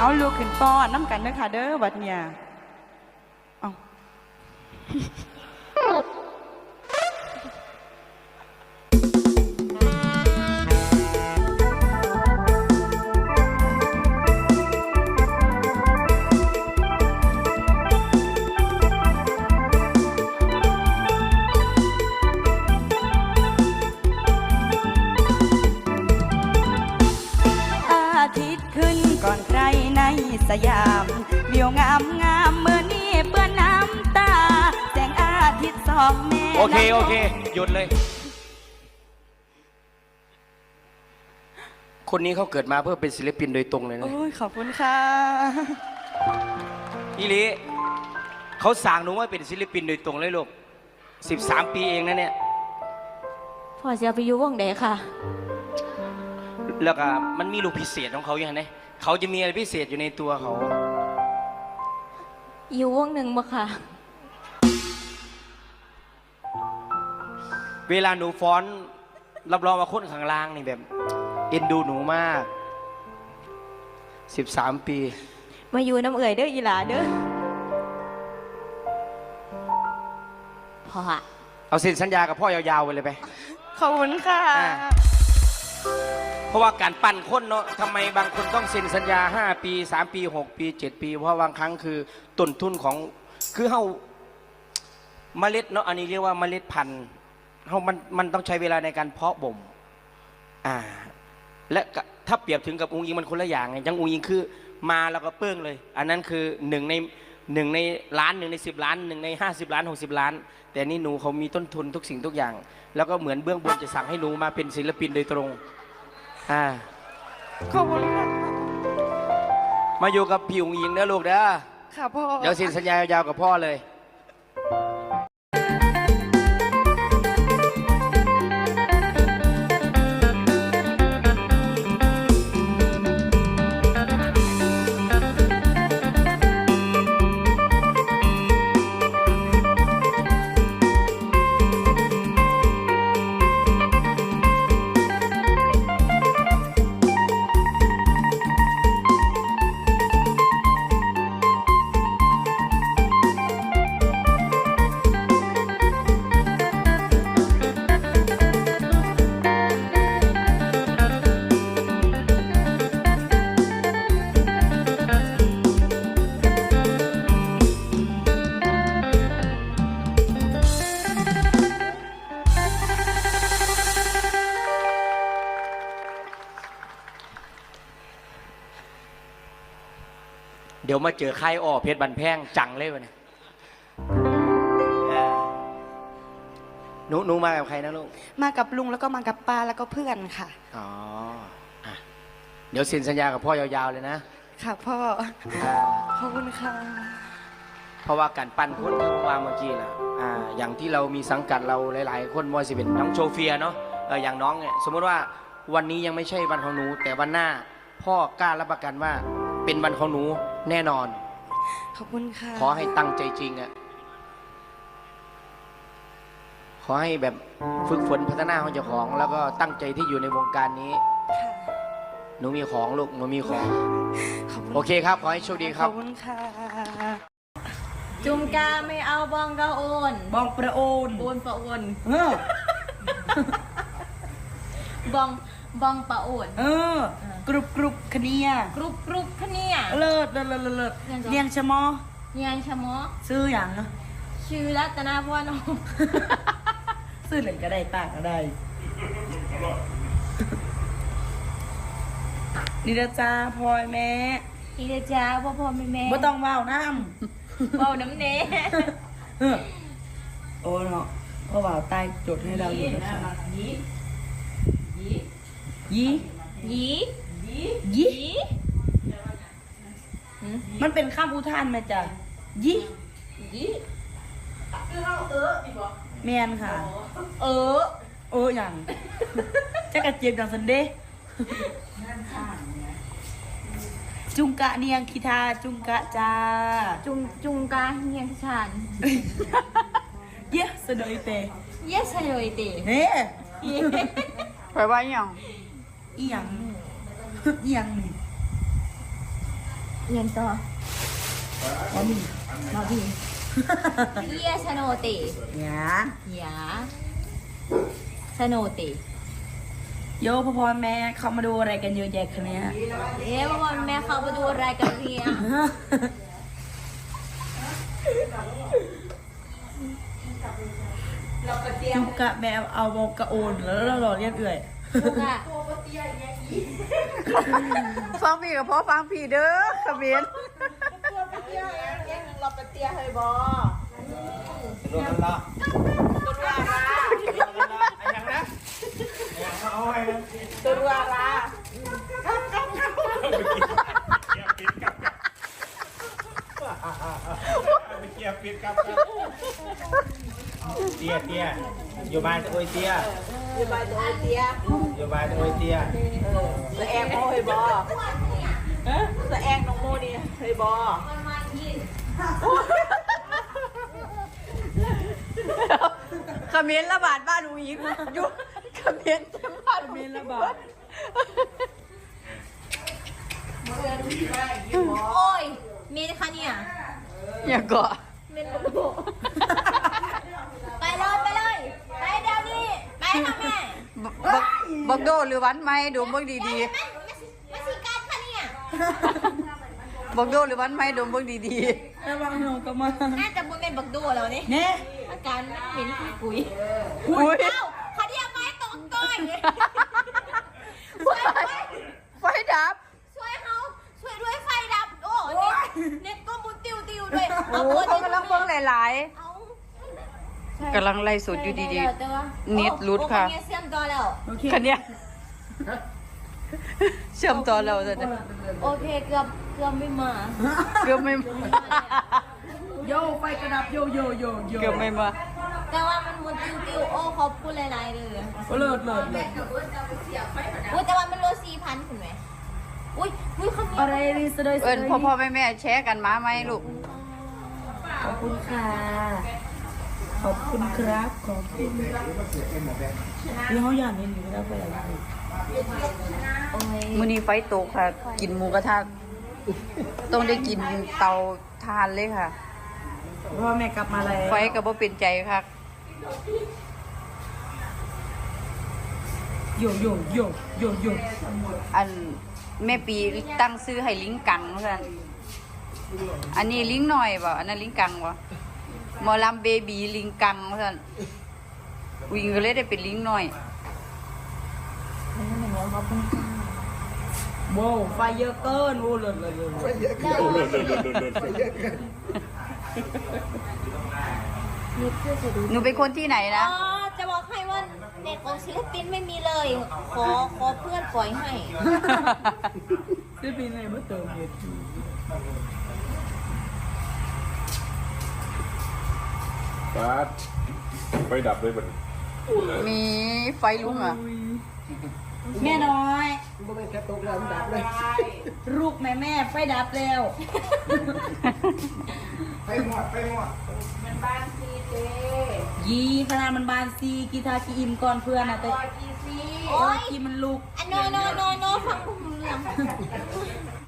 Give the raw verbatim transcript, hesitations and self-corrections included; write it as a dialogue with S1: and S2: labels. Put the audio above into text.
S1: เอาลูกขึ้นป้อนน้ำกันเด้อค่ะเด้อบัดเนี่ยเอาก่อนใครในสยามเบี่ยวงามงามเมื่อนี้เปื้อนน้ำตาแสงอาทิตย์สองแม่
S2: โอเคโอเคหยุดเลยคนนี้เขาเกิดมาเพื่อเป็นศิลปินโดยตรงเลยนะ
S1: โอ้ยขอบคุณค่ะ
S2: อีลีเขาสั่งหนูว่าเป็นศิลปินโดยตรงเลยลูกสิบสามปีเองนะเนี่ย
S3: พ่อจะไปอยู่วงไหนค่ะ
S2: แล้วก็มันมีลูกพิเศษของเขาอย่างไรเขาจะมีอะไรพิเศษอยู่ในตัวเขา
S3: อยู่วงหนึ่งบ่ค่ะ
S2: เวลาหนูฟ้อนรับรองว่าคนข้างล่างนี่แบบเอ็นดูหนูมากสิบสามปี
S3: มาอยู่น้ำเอื่อยเด้ออีหลาเด้อพ่อ
S2: เอาเซ็นสัญญากับพ่อยาวๆไปเลยไป
S1: ขอบคุณค่ะ
S2: เพราะว่าการปั้นคนเนาะทำไมบางคนต้องเซ็นสัญญาห้าปีสามปีหกปีเจ็ดปีเพราะบางครั้งคือต้นทุนของคือเฮาเมล็ดเนาะอันนี้เรียกว่าเมล็ดพันธุ์เฮามันมันต้องใช้เวลาในการเพาะบ่มอ่าและถ้าเปรียบถึงกับองค์ยิงมันคนละอย่างไงยังองค์ยิงคือมาแล้วก็เปิ้งเลยอันนั้นคือหนึ่งในหนึ่งในล้านหนึ่งในสิบล้านหนึ่งในห้าสิบล้านหกสิบล้านแต่นี่หนูเขามีต้นทุนทุกสิ่งทุกอย่างแล้วก็เหมือนเบื้องบนจะสั่งให้หนูมาเป็นศิลปินโดยตรงอ่า
S1: ขอบคุณค่ะ
S2: มาอยู่กับพี่องค์ยิงนะลูกเด้อ
S1: ค่ะพ่อ
S2: เดี๋ยวเซ็นสัญญายาวๆกับพ่อเลยเดี๋ยวมาเจอค่ายอ้อเพชรบันแพงจังเลยวะเนี่ยหนูหนูมากับใครนะลูก
S1: มากับลุงแล้วก็มากับป้าแล้วก็เพื่อนค่ะ
S2: อ๋ออ่ะเดี๋ยวเซ็นสัญญากับพ่อยาวๆเลยนะ
S1: ค่ะพ่อขอบคุณค่ะ
S2: เพราะว่าการปั้นคนวางเมื่อกี้นะอ่าอย่างที่เรามีสังกัดเราหลายๆคนมวยสิเป็นน้องโชเฟียเนาะเอออย่างน้องเนี่ยสมมติว่าวันนี้ยังไม่ใช่วันของหนูแต่วันหน้าพ่อกล้ารับประกันว่าเป็นวันของหนูแน่นอน
S1: ขอบคุณค่ะ
S2: ขอให้ตั้งใจจริงอ่ะขอให้แบบฝึกฝนพัฒนาของเจ้าของแล้วก็ตั้งใจที่อยู่ในวงการนี้หนูมีของลูกหนูมีของโอเคครับขอให้โชคดีครับ
S1: ขอบคุณค่ะ
S3: จุมกาไม่เอาบองกาโอน
S1: บองประโอน
S3: โอนประโอนบองบองปะโอน
S1: เออกรุบกรุบขเนีย
S3: กรุบกรุบขเนีย
S1: เลิศเลิศเลิศเลิศเนียงชะมอ
S3: เนียงชะมอ
S1: ซื้ออย่าง
S3: ชื่อรัตนาพรนม
S1: ซื้อหนึ่งก็ได้ต่างก็ได้นี่นะจ้าพ่อแม่
S3: นี่นะจ้าพ่อพ่อแม่แม่
S1: บ่ต้องว่าวน้
S3: ำว่าวน้ำเน
S1: โอ้เนาะเพราะว่าใต้จดให้เราอยู่นะคะยี่ยี่
S3: ยี่
S1: ยี่มันเป็นข้ามอุทานไหมจ๊ะยี่
S3: ยี่คือเราเออดีบ่
S1: แมนค่ะ
S3: เออ
S1: เอออย่างจะกระเจี๊ยบอย่างสันเดย์จุงกะเนียงคิทาจุงกะจ้า
S3: จุงจุงกะเนียงชาน
S1: เยสสดอยเต
S3: เยสสดอยเต
S1: เฮ้ไปว่าอย่างอีหยังอีหยังนี่
S3: เรียนต่อ
S1: อ๋อมีมาพี่
S3: เยียชโนติ
S1: เนี่ย
S3: หยาชโนติ
S1: โยพ่อพ่อแม่เขามาดูอะไรกันเยอะแยะคะเนี่ย
S3: เอ๊ะวันแม่เขาไปดูอะไรกันเนี่ย
S1: จุกกะแบบเอาโมกะโอนแล้วเราหล่อเรียกเอื่อย
S3: ลูกอะ
S1: ฟังพี่กับพ่อฟังพี่เด้อขมิ้น
S2: รวมกันละอย่างนะเอาไว้นะ
S1: ตัวรัวรา
S2: เกียร์ปิดกับเตี้ยเตี้ยอยู่บ้านโอยเตี้ย
S1: อยู่บ้านตัวเตี้ย
S2: อยู่บ้านโอยเตี้ย
S1: ตัวแองโมเฮยบอตัวแองน้องโมนี่เฮยบอขมิ้นระบาดบ้านหนูอีกอยู่ขมิ้นบ้านขมิ้นระบาด
S3: โอ้ยเมนคะเนี่ย
S1: อย่าเกาะ
S3: เมนโบไปเลยไปเลยไปเดี๋ยวนี้ไปค่ะแม่
S1: บักบักโดหรือวันไหมดูเบิ่งดี
S3: ไม่ไม่ไม่สิการค่ะเนี่ย
S1: ๆบักโดหรือวันไหมดูเบิ่งดีๆระวังหนูก็มา
S3: น่าจะบุญเป็นบักดูแล้วนี่
S1: เนี่ย
S3: อาการเหม็นคุยคุย
S1: อุ้ย
S3: เอ้าเขาเรียกไม้ตกก้อยช่วยด้วย
S1: ไฟดับ
S3: ช่วยเขาช่วยด้วยไฟดับโอ้เน็ตเน็ตก็มุนติวติวด้วย
S1: โอ้โหเขากำลังเบิ่งหลาย
S3: เอา
S1: ๆกำลังไล่สดอยู่ดี
S3: แต่ว่า
S1: เน็ตหลุดค่ะ
S3: โอ้โหเนี่ยเสื่อมต่อแล้ว
S1: ๆคันเนี้ยเชื่อมต่อเราจะได้
S3: โอเคเกือบเกือบไม่มา
S1: เกือบไม่
S4: โยไฟกระดับโยโยโยโย
S1: เกือบไม่มา
S3: แต่ว่ามันมุนติวติวโอ้ขอบคุณหลายๆเลย
S4: เลิศเลิศเลิศ
S3: อุ้ยแต่ว่ามันโลสี่พันคุณไหมอุ้ยอุ้ยคำนี้
S4: อะไรรีสเดย์
S1: เอิญพ่อพ่อแม่แม่แชร์กันมาไหมลูก
S4: ขอบคุณค่ะ ขอบคุณครับ ขอบคุณแล้วเขาอยากนี่หนูแล้วไปอะไร
S3: โอ้ย
S1: มื้อนี้ไฟตกค่ะ กินหมูกระทะต้องได้กินเตาทานเลยค่ะ
S4: พ่อแม่กลับมาแล้ว
S1: ไฟก็บ่เป็นใจค่ะ
S4: โยโยโยโยโย
S1: อันแม่ปีตั้งซื้อให้ลิงกังเพื่อนอันนี้ลิงหน่อยบ่อันนั้นลิงกังบ่หมอลำเบบีลิงกังเพื่อนวิ่งก็เลยได้เป็นลิงหน่อย
S4: โว้ไฟเยอะเกินโอ้เลิศเลิศเลิศ
S3: นี่เพื่อจะดู
S1: หนูเป็นคนที่ไหน
S3: อ๋
S1: นะ
S3: อจะบอกให้ว่าเน็ตของศิลปินไม่มีเลย ขอขอเพื่อนปล่อยให้
S4: ได้ปีไหนเมื่อเติมเน็ต
S5: ปาดไฟดับเลยมัน
S1: มีไฟลุกอ่ะ
S4: แม่น้อยลูกแม่แม่ไฟดับแล้ว
S2: ไปหมดไปหมด
S4: ยีขนาดมันบานซีกีทากีอิมก่อนเพื่อนนะแต่
S3: โอ้ย
S4: กีมันลูก
S3: อันโนโนโนโนฟังผมเรื่อง